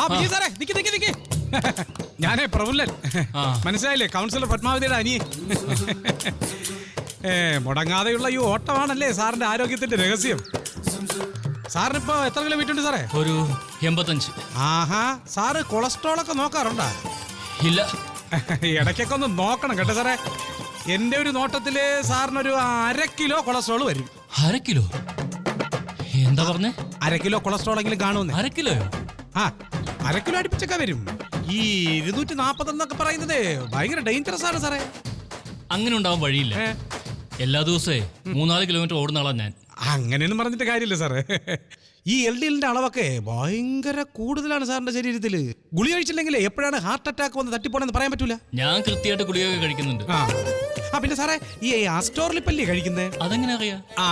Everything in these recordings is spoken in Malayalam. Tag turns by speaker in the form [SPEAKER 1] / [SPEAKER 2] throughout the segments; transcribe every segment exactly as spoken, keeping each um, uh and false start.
[SPEAKER 1] സാറേ നിക്ക് നിക്ക് നിക്ക്. ഞാനേ പ്രഫുല്ലൻ, മനസ്സിലായില്ലേ? കൗൺസിലർ പത്മാവതിയുടെ അനിയൻ. ഏ മുടങ്ങാതെയുള്ള ഈ ഓട്ടമാണല്ലേ സാറിന്റെ ആരോഗ്യത്തിന്റെ രഹസ്യം. സാറിനിപ്പോ എത്ര കിലോ വെയിറ്റ് ഉണ്ട് സാറേ?
[SPEAKER 2] ഒരു എൺപത്തഞ്ച്.
[SPEAKER 1] ആഹാ, സാറ് കൊളസ്ട്രോൾ ഒക്കെ നോക്കാറുണ്ടോ?
[SPEAKER 2] ഇല്ല.
[SPEAKER 1] ഇടയ്ക്കൊക്കെ ഒന്ന് നോക്കണം കേട്ടോ സാറേ. എന്റെ ഒരു നോട്ടത്തില് സാറിനൊരു അര കിലോ കൊളസ്ട്രോൾ വരും.
[SPEAKER 2] അര കിലോ? എന്താ പറഞ്ഞേ?
[SPEAKER 1] അര കിലോ കൊളസ്ട്രോൾ എങ്കിലും കാണുമെന്ന്.
[SPEAKER 2] അര കിലോയോ?
[SPEAKER 1] ആ, അര കിലോ അടുപ്പിച്ചൊക്കെ വരും. ഈ ഇരുന്നൂറ്റി നാപ്പത് എന്നൊക്കെ പറയുന്നത് ഭയങ്കര ഡേഞ്ചറസ് ആണ് സാറേ.
[SPEAKER 2] അങ്ങനെ ഉണ്ടാവാൻ വഴിയില്ല. എല്ലാ ദിവസവും മൂന്നാല് കിലോമീറ്റർ ഓടുന്ന ആളാ ഞാൻ.
[SPEAKER 1] അങ്ങനെയൊന്നും പറഞ്ഞിട്ട് കാര്യമില്ല സാറേ. ഈ എൽ ഡി എല്ലിന്റെ അളവൊക്കെ ഭയങ്കര കൂടുതലാണ് സാറിന്റെ ശരീരത്തില്. ഗുളി കഴിച്ചില്ലെങ്കിൽ എപ്പോഴാണ് ഹാർട്ട് അറ്റാക്ക് വന്ന് തട്ടിപ്പോണെന്ന് പറയാൻ പറ്റൂല.
[SPEAKER 2] ഞാൻ കൃത്യമായിട്ട് ഗുളികയൊക്കെ കഴിക്കുന്നുണ്ട്.
[SPEAKER 1] ആ ആ പിന്നെ സാറേ, ഈ ആസ്റ്റോറിലിപ്പല്ലേ കഴിക്കുന്നത്?
[SPEAKER 2] അതെങ്ങനെ അറിയാം?
[SPEAKER 1] ആ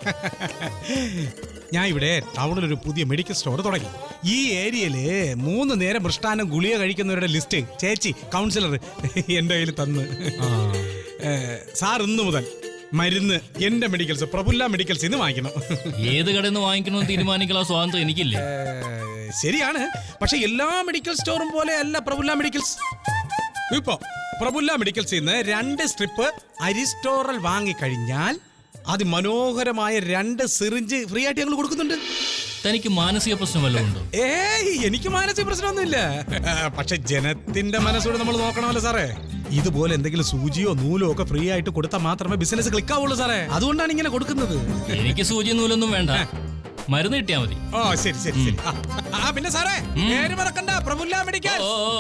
[SPEAKER 1] ഞാൻ ഇവിടെ ടൗണിലൊരു പുതിയ മെഡിക്കൽ സ്റ്റോർ തുടങ്ങി. ഈ ഏരിയയില് മൂന്ന് നേരം മൃഷ്ടാനം ഗുളിക കഴിക്കുന്നവരുടെ ലിസ്റ്റ് ചേച്ചി കൗൺസിലർ എന്റെ കയ്യിൽ തന്ന്. സാർ ഇന്ന് മുതൽ മരുന്ന് എന്റെ മെഡിക്കൽസ് പ്രഫുല്ല മെഡിക്കൽസ് ഇന്ന് വാങ്ങിക്കണം.
[SPEAKER 2] ഏത് കടയിൽ നിന്ന് വാങ്ങിക്കണമെന്ന് തീരുമാനിക്കാനുള്ള സ്വാതന്ത്ര്യം എനിക്കില്ലേ?
[SPEAKER 1] ശരിയാണ്, പക്ഷെ എല്ലാ മെഡിക്കൽ സ്റ്റോറും പോലെ അല്ല പ്രഫുല്ല മെഡിക്കൽസ്. ഇപ്പൊ പ്രഫുല്ല മെഡിക്കൽസിൽ നിന്ന് രണ്ട് സ്ട്രിപ്പ് അരിസ്റ്റോറൽ വാങ്ങിക്കഴിഞ്ഞാൽ അതിമനോഹരമായ രണ്ട് സിറിഞ്ച് ഫ്രീ ആയിട്ട് ഞങ്ങൾ കൊടുക്കുന്നുണ്ട്.
[SPEAKER 2] തനിക്ക് മാനസിക പ്രശ്നം വല്ലതും ഉണ്ടോ?
[SPEAKER 1] ഏയ്, എനിക്ക് മാനസിക പ്രശ്നമൊന്നുമില്ല. പക്ഷെ ജനത്തിന്റെ മനസ്സോടെ നമ്മൾ നോക്കണമല്ലോ സാറേ. ഇതുപോലെ എന്തെങ്കിലും സൂചിയോ നൂലോ ഒക്കെ ഫ്രീ ആയിട്ട് കൊടുത്താൽ മാത്രമേ ബിസിനസ് ക്ലിക്ക് ആവുള്ളൂ സാറേ. അതുകൊണ്ടാണ് ഇങ്ങനെ കൊടുക്കുന്നത്.
[SPEAKER 2] എനിക്ക് സൂചി നൂലൊന്നും വേണ്ട, മരുന്ന് കിട്ടിയാ മതി.
[SPEAKER 1] ഓ ശരി ശരി ശരി. ആ പിന്നെ സാറേ, പേര് മറക്കണ്ട, പ്രഫുല്ല മെഡിക്കൽ.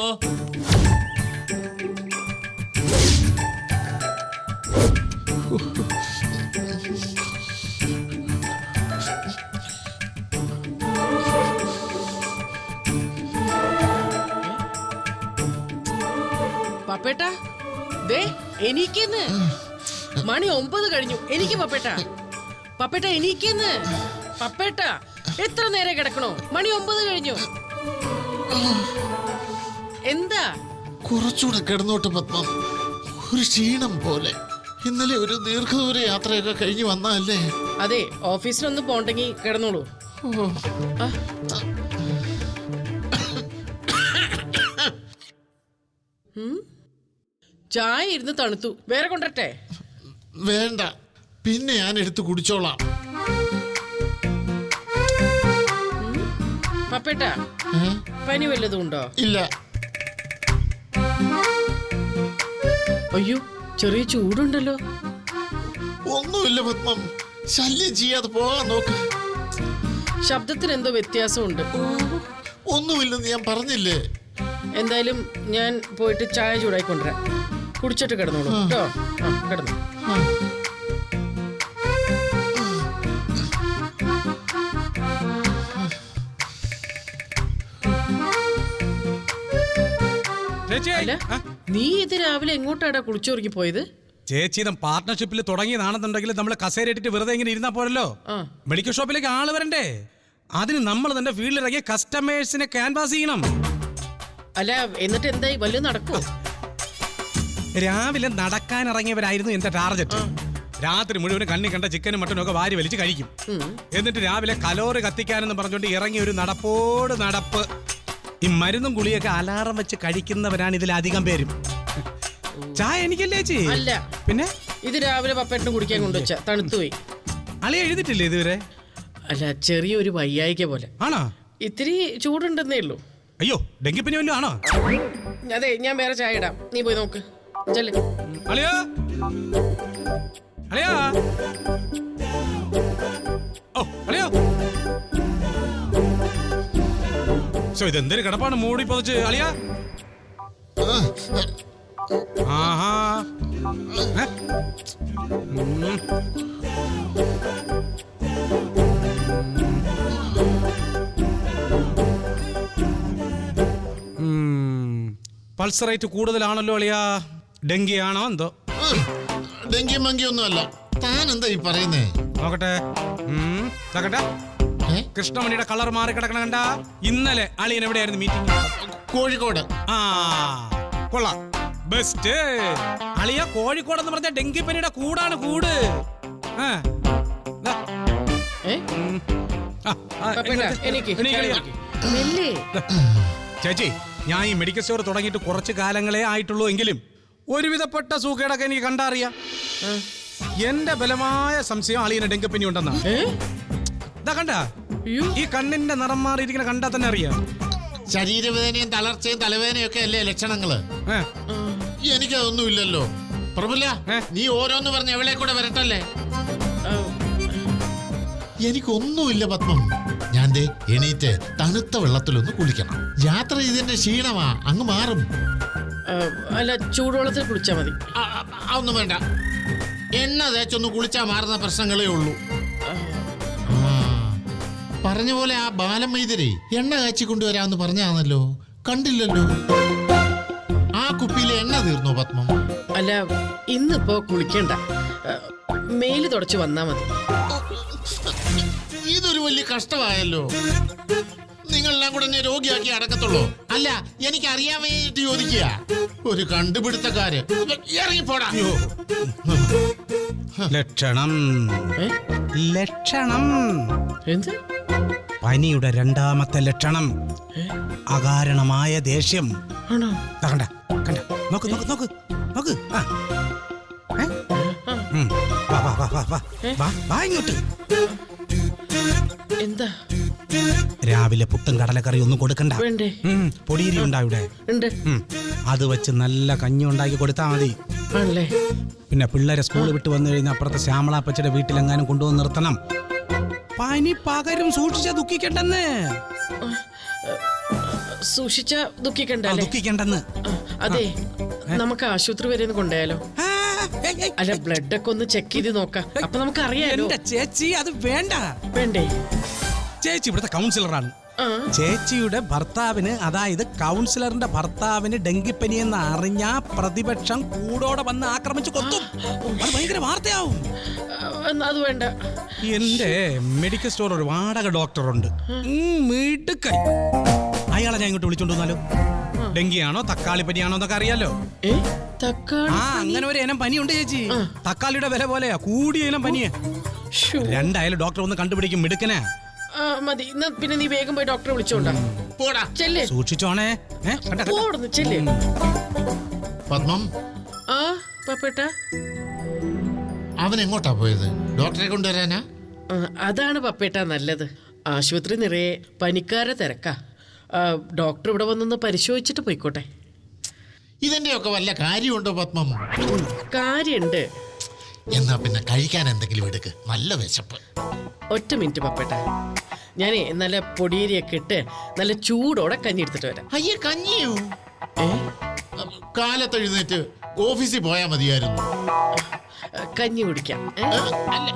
[SPEAKER 3] പപ്പേട്ടാ, ദേ എനിക്കെന്ന് മണി ഒമ്പത് കഴിഞ്ഞു. എനിക്ക് പപ്പേട്ട പപ്പേട്ട എനിക്കെന്ന് പപ്പേട്ട എത്ര നേരം കിടക്കണോ? മണി ഒമ്പത് കഴിഞ്ഞു. എന്താ?
[SPEAKER 4] കുറച്ചുകൂടെ കിടന്നോട്ട് പത്മം, ഒരു ക്ഷീണം പോലെ. ഇന്നലെ ഒരു ദീർഘദൂര യാത്രയൊക്കെ കഴിഞ്ഞു വന്നല്ലേ.
[SPEAKER 3] അതെ, ഓഫീസിലൊന്ന് പോണ്ടെങ്കിൽ കിടന്നോളൂ. ചായ ഇരുന്ന് തണുത്തു, വേറെ കൊണ്ടട്ടെ?
[SPEAKER 4] വേണ്ട, പിന്നെ ഞാൻ എടുത്ത് കുടിച്ചോളാം.
[SPEAKER 3] പപ്പേട്ടാ, പനി വല്ലതും ഉണ്ടോ?
[SPEAKER 4] ഇല്ല.
[SPEAKER 3] അയ്യോ, ചെറിയ ചൂടുണ്ടല്ലോ.
[SPEAKER 4] ഒന്നുമില്ല പത്മം, ശല്യം ചെയ്യാതെ പോകാൻ നോക്ക്.
[SPEAKER 3] ശബ്ദത്തിന് എന്തോ വ്യത്യാസമുണ്ട്.
[SPEAKER 4] ഒന്നുമില്ലെന്ന് ഞാൻ പറഞ്ഞില്ലേ.
[SPEAKER 3] എന്തായാലും ഞാൻ പോയിട്ട് ചായ ചൂടായി കൊണ്ടുവരാം. കുടിച്ചിട്ട് കിടന്നോളൂ കേട്ടോ. ആ കിടന്നു. അല്ല, നീ ഇത് രാവിലെ എങ്ങോട്ടാടാ കുളിച്ചോറിക്ക് പോയത്?
[SPEAKER 1] ചേച്ചി, പാർട്ട്ണർഷിപ്പിൽ തുടങ്ങിയതാണെന്നുണ്ടെങ്കിൽ നമ്മൾ കസേര ഇട്ടിട്ട് വെറുതെ ഇങ്ങനെ ഇരുന്നാ പോരല്ലോ. മെഡിക്കൽ ഷോപ്പിലേക്ക് ആള് വരണ്ടേ? അതിന് നമ്മൾ തന്നെ ഫീൽഡിലിറങ്ങിയ കസ്റ്റമേഴ്സിനെ ക്യാൻവാസ് ചെയ്യണം.
[SPEAKER 3] അല്ല, എന്നിട്ട് എന്തായി? വല്ലതും നടക്കോ?
[SPEAKER 1] രാവിലെ നടക്കാൻ ഇറങ്ങിയവരായിരുന്നു എന്റെ ടാർഗറ്റ്. രാത്രി മുഴുവൻ കണ്ണി കണ്ട ചിക്കനും മട്ടനും ഒക്കെ വാരി വലിച്ച് കഴിക്കും. എന്നിട്ട് രാവിലെ കലോറി കത്തിക്കാനെന്ന് പറഞ്ഞുകൊണ്ട് ഇറങ്ങി ഒരു നടപ്പോട് നടപ്പ്. ഈ മരുന്നും ഗുളിയൊക്കെ അലാറം വെച്ച് കഴിക്കുന്നവരാണ് ഇതിലധികം പേരും. ചായ എനിക്കല്ലേ ചേച്ചി?
[SPEAKER 3] അല്ല,
[SPEAKER 1] പിന്നെ
[SPEAKER 3] ഇത് രാവിലെ പപ്പേട്ടിന് കുടിക്കാൻ കൊണ്ടുവച്ച തണുത്തുപോയി.
[SPEAKER 1] അളി എഴുതിട്ടില്ലേ ഇതുവരെ?
[SPEAKER 3] അല്ല, ചെറിയൊരു വയ്യായിക പോലെ.
[SPEAKER 1] ആണോ?
[SPEAKER 3] ഇത്തിരി ചൂടുണ്ടെന്നേ ഉള്ളൂ.
[SPEAKER 1] അയ്യോ, ഡെങ്കിപ്പനി വല്ലതും ആണോ?
[SPEAKER 3] അതെ, ഞാൻ വേറെ ചായ ഇടാം, നീ പോയി നോക്ക്. ചെല്ല്.
[SPEAKER 1] അളിയാ, അളിയാ, ഓ അളിയാ. സോ ഇതെന്തൊരു കിടപ്പാണ് മൂടി പൊതച്ച് അളിയാ. ആഹാ, പൾസ് റേറ്റ് കൂടുതലാണല്ലോ അളിയാ. ഡെങ്കി ആണോ എന്തോ?
[SPEAKER 4] ഡെങ്കി മങ്കി ഒന്നും അല്ല. താൻ എന്താ ഈ പറയുന്നേ?
[SPEAKER 1] നോക്കട്ടെ. കൃഷ്ണമണിയുടെ കളർ മാറി കിടക്കണ കണ്ട. ഇന്നലെ അളിയൻ എവിടെയായിരുന്നു മീറ്റിംഗ്?
[SPEAKER 4] കോഴിക്കോട്.
[SPEAKER 1] ആ കൊള്ളാം, ബെസ്റ്റ്. അളിയ, കോഴിക്കോട് എന്ന് പറഞ്ഞ ഡെങ്കിപ്പനിയുടെ കൂടാണ് കൂട്. ചേച്ചി ഞാൻ ഈ മെഡിക്കൽ സ്റ്റോർ തുടങ്ങിയിട്ട് കുറച്ച് കാലങ്ങളെ ആയിട്ടുള്ളൂ എങ്കിലും ഒരുവിധപ്പെട്ട സൂക്കേടൊക്കെ എനിക്ക് കണ്ടറിയാം. എന്റെ ബലമായ സംശയം അളിയന് ഡെങ്കിപ്പനി ഉണ്ടെന്നാ.
[SPEAKER 3] ഏ?
[SPEAKER 1] ഇതാ കണ്ട
[SPEAKER 3] അയ്യോ.
[SPEAKER 1] ഈ കണ്ണിന്റെ നിറം മാറിയിരിക്കുന്ന കണ്ടാ തന്നെ അറിയാം.
[SPEAKER 4] ശരീരവേദനയും തളർച്ചയും തലവേദനയും ഒക്കെ അല്ലേ ലക്ഷണങ്ങള്?
[SPEAKER 1] ഏ,
[SPEAKER 4] എനിക്കതൊന്നും ഇല്ലല്ലോ. പ്രഭുല,
[SPEAKER 1] ഏ?
[SPEAKER 4] നീ ഓരോന്ന് പറഞ്ഞ് എവിടെ കൂടെ വരട്ടല്ലേ?
[SPEAKER 3] ആ,
[SPEAKER 4] എനിക്കൊന്നുമില്ല പത്മം. ഞാൻ ദേ എണീറ്റ് തണുത്ത വെള്ളത്തിലൊന്ന് കുളിക്കണം. യാത്ര ചെയ്തതിന്റെ ക്ഷീണമാ, അങ്ങ് മാറും.
[SPEAKER 3] ആ, അല്ല ചൂടുവെള്ളത്തിൽ കുളിച്ചാ മതി.
[SPEAKER 4] ആ, ആ, അതൊന്നും വേണ്ട. എണ്ണ തേച്ചൊന്ന് കുളിച്ചാ മാറുന്ന പ്രശ്നങ്ങളേ ഉള്ളൂ. ആ, പറഞ്ഞ പോലെ ആ ബാലം മൈതരെ എണ്ണ കാച്ചി കൊണ്ടുവരാമെന്ന് പറഞ്ഞാണല്ലോ, കണ്ടില്ലല്ലോ. ആ കുപ്പിയിലെ എണ്ണ തീർന്നോ പത്മം?
[SPEAKER 3] അല്ല ഇന്നിപ്പോ കുളിക്കണ്ട, ആ, മേല് തുടച്ച് വന്നാ മതി.
[SPEAKER 4] ഇതൊരു വലിയ കഷ്ടമായല്ലോ. നിങ്ങളെല്ലാം കൂടെ എന്നെ രോഗിയാക്കി അടക്കത്തുള്ളൂ. അല്ല, എനിക്ക് അറിയാൻ വേണ്ടിട്ട് ചോദിക്കുക. ഒരു കണ്ടുപിടുത്തക്കാര് ഇറങ്ങിപ്പോടാ.
[SPEAKER 1] ലക്ഷണം
[SPEAKER 3] ഏ?
[SPEAKER 1] ലക്ഷണം
[SPEAKER 3] എന്ത്?
[SPEAKER 1] പനിയുടെ രണ്ടാമത്തെ ലക്ഷണം അകാരണമായ ദേഷ്യം.
[SPEAKER 3] ആണോ?
[SPEAKER 1] ദാ കണ്ട കണ്ട നോക്ക് നോക്ക് നോക്ക് നോക്ക്. ആ. ഏ? ഉം. വാ, വാ, വാ, വാ, വാ. വാ, വാ ഇങ്ങോട്ട്.
[SPEAKER 3] എന്താ?
[SPEAKER 1] രാവിലെ പുട്ടും കടലക്കറി ഒന്നും കൊടുക്കണ്ട.
[SPEAKER 3] വേണ്ടേ?
[SPEAKER 1] ഉം, പൊടിയരി ഉണ്ടാവിടെ.
[SPEAKER 3] ഉണ്ട്.
[SPEAKER 1] ഉം, അത് വെച്ച് നല്ല കഞ്ഞി ഉണ്ടാക്കി കൊടുത്താൽ മതി.
[SPEAKER 3] ആണല്ലേ?
[SPEAKER 1] പിന്നെ പിള്ളേരെ സ്കൂൾ വിട്ട് വന്നു കഴിഞ്ഞാൽ അപ്പുറത്തെ ശ്യാമളാപ്പച്ചയുടെ വീട്ടിലെങ്ങാനും കൊണ്ടുവന്ന് നിർത്തണം. പനി പകരും, സൂക്ഷിച്ച ദുഃഖിക്കണ്ടെന്ന്.
[SPEAKER 3] സൂക്ഷിച്ച ദുഃഖിക്കണ്ട
[SPEAKER 1] ആ,
[SPEAKER 3] അല്ലേ?
[SPEAKER 1] ദുഃഖിക്കണ്ടെന്ന്.
[SPEAKER 3] ആ, അതെ, നമുക്ക് ആശുപത്രി വരെ ഒന്ന് കൊണ്ടുപോയാലോ?
[SPEAKER 1] ആ, ഏയ്, ഏയ്.
[SPEAKER 3] അല്ല ബ്ലഡ് ഒക്കെ ഒന്ന് ചെക്ക് ചെയ്ത് നോക്കാം, അപ്പൊ നമുക്ക് അറിയാലോ.
[SPEAKER 1] എന്റെ ചേച്ചി അത് വേണ്ട.
[SPEAKER 3] വേണ്ടേ?
[SPEAKER 1] ചേച്ചി ഇവിടുത്തെ കൗൺസിലറാണ്.
[SPEAKER 3] ആ,
[SPEAKER 1] ചേച്ചിയുടെ ഭർത്താവിന്, അതായത് കൗൺസിലറിന്റെ ഭർത്താവിന് ഡെങ്കിപ്പനി എന്ന് അറിഞ്ഞാ പ്രതിപക്ഷം കൂടോടെ വന്ന് ആക്രമിച്ച് കൊത്തും. അത് ഭയങ്കര വാർത്തയാവും.
[SPEAKER 3] ആ, എന്നാ അത് വേണ്ട.
[SPEAKER 1] എന്റെ മെഡിക്കൽ സ്റ്റോർ ഒരു വാടക ഡോക്ടറുണ്ട്, മിടുക്കൻ. അയാളെ ഞാൻ ഇങ്ങോട്ട് വിളിച്ചോണ്ട് വന്നാലോ? ഡെങ്കിയാണോ തക്കാളി പനിയാണോ എന്നൊക്കെ അറിയാലോ.
[SPEAKER 3] ഏ? തക്കാളി?
[SPEAKER 1] ആ, അങ്ങനെ ഒരു ഇനം പനിയുണ്ട് ചേച്ചി. തക്കാളിയുടെ വില പോലെയാ, കൂടിയ ഇനം പനിയാ.
[SPEAKER 3] ശ്ശോ.
[SPEAKER 1] രണ്ടായാലും ഡോക്ടർ ഒന്ന് കണ്ടുപിടിക്കും, മിടുക്കനാ.
[SPEAKER 3] ആ, മതി. എന്നാ പിന്നെ നീ വേഗം പോയി ഡോക്ടറെ വിളിച്ചോണ്ടാ.
[SPEAKER 4] പോടാ.
[SPEAKER 3] ചെല്ലേ.
[SPEAKER 1] സൂക്ഷിച്ചോണേ. ഏ, കണ്ട, കണ്ട.
[SPEAKER 3] പോടുന്നു ചെല്ലേ.
[SPEAKER 4] പത്മം,
[SPEAKER 3] ആ പപ്പേട്ടാ,
[SPEAKER 4] അവൻ എങ്ങോട്ടാ പോയത്? ഡോക്ടറെ കൊണ്ടുവരാനാ?
[SPEAKER 3] ആ, അതാണ് പപ്പേട്ടാ നല്ലത്. ആശുപത്രി നിറയെ പനിക്കാരെ തിരക്കാ. ആ, ഡോക്ടർ ഇവിടെ വന്നൊന്ന് പരിശോധിച്ചിട്ട് പോയിക്കോട്ടെ.
[SPEAKER 4] ഇതിന്റെ ഒക്കെ വല്ല കാര്യമുണ്ടോ പത്മം?
[SPEAKER 3] കാര്യണ്ട്.
[SPEAKER 4] എന്നാ പിന്നെ കഴിക്കാൻ എന്തെങ്കിലും എടുക്ക്, നല്ല വിശപ്പ്.
[SPEAKER 3] ഒറ്റ മിനിറ്റ് പപ്പേട്ടാ, ഞാനേ നല്ല പൊടിയേരിയൊക്കെ ഇട്ട് നല്ല ചൂടോടെ കഞ്ഞി എടുത്തിട്ട് വരാം.
[SPEAKER 4] അയ്യേ, കഞ്ഞിയോ?
[SPEAKER 3] ഏ?
[SPEAKER 4] കാലത്ത് എഴുന്നേറ്റ് ഓഫീസിൽ പോയാ മതിയായിരുന്നു.
[SPEAKER 3] ആ, കഞ്ഞി കുടിക്കാം. ഏ?
[SPEAKER 4] ഏ, അല്ല.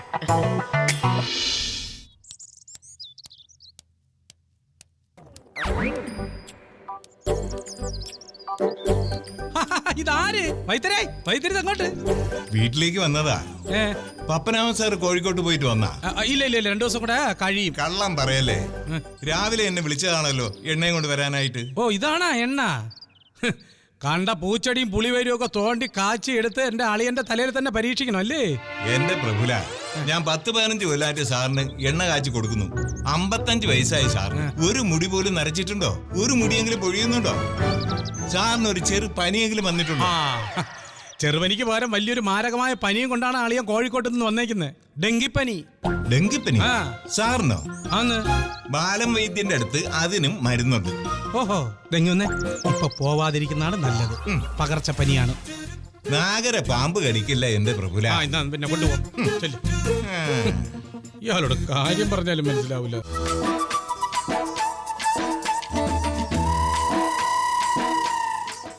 [SPEAKER 1] ഇതാര്? വൈദ്യരേ, വൈദ്യര് അങ്ങോട്ട്.
[SPEAKER 5] വീട്ടിലേക്ക് വന്നതാ.
[SPEAKER 1] ഏ,
[SPEAKER 5] പപ്പനാമൻ സാർ കോഴിക്കോട്ട് പോയിട്ട് വന്നാ.
[SPEAKER 1] ആ, ഇല്ല ഇല്ല ഇല്ല, രണ്ടു ദിവസം കൂടെ കഴിയും.
[SPEAKER 5] കള്ളം പറയല്ലേ, രാവിലെ എന്നെ വിളിച്ചതാണല്ലോ എണ്ണയും കൊണ്ട് വരാനായിട്ട്.
[SPEAKER 1] ഓ, ഇതാണാ എണ്ണ? ഹ്, കണ്ട പൂച്ചെടിയും പുളിവരും ഒക്കെ തോണ്ടി കാച്ചി എടുത്ത് എന്റെ അളിയന്റെ തലയിൽ തന്നെ പരീക്ഷിക്കണം അല്ലേ?
[SPEAKER 5] എന്റെ പ്രഭുല, ഞാൻ പത്ത് പതിനഞ്ച് കൊല്ലായിട്ട് സാറിന് എണ്ണ കാച്ചി കൊടുക്കുന്നു. അമ്പത്തഞ്ച് വയസ്സായി സാറിന്. ഒരു മുടി പോലും നരച്ചിട്ടുണ്ടോ? ഒരു മുടിയെങ്കിലും പൊഴിയുന്നുണ്ടോ? സാറിന് ഒരു ചെറു പനിയെങ്കിലും വന്നിട്ടുണ്ടോ?
[SPEAKER 1] ആ, ചെറുപനിക്ക് പകരം വലിയൊരു മാരകമായ പനിയും കൊണ്ടാണ് അളിയൻ കോഴിക്കോട്ട് നിന്ന് വന്നേക്കുന്നത്. ഡെങ്കിപ്പനി.
[SPEAKER 5] ഡെങ്കിപ്പനി
[SPEAKER 1] ആ.
[SPEAKER 5] സാറിനോ?
[SPEAKER 1] ആന്ന്.
[SPEAKER 5] ബാലം വൈദ്യന്റെ അടുത്ത് അതിനും മരുന്നുണ്ട്.
[SPEAKER 1] ഓഹോ, ഡെങ്കി വന്നേ. ഇപ്പൊ പോവാതിരിക്കുന്നതാണ് നല്ലത്. പകർച്ചപ്പനിയാണ്.
[SPEAKER 5] നാഗര പാമ്പ് കടിക്കില്ല എന്റെ പ്രഭുല.
[SPEAKER 1] ആ, ഇന്നാ പിന്നെ കൊണ്ടുപോ. ചെല്ല്.
[SPEAKER 5] ആ.
[SPEAKER 1] ഇയാളോട് കാര്യം പറഞ്ഞാലും മനസ്സിലാവില്ല.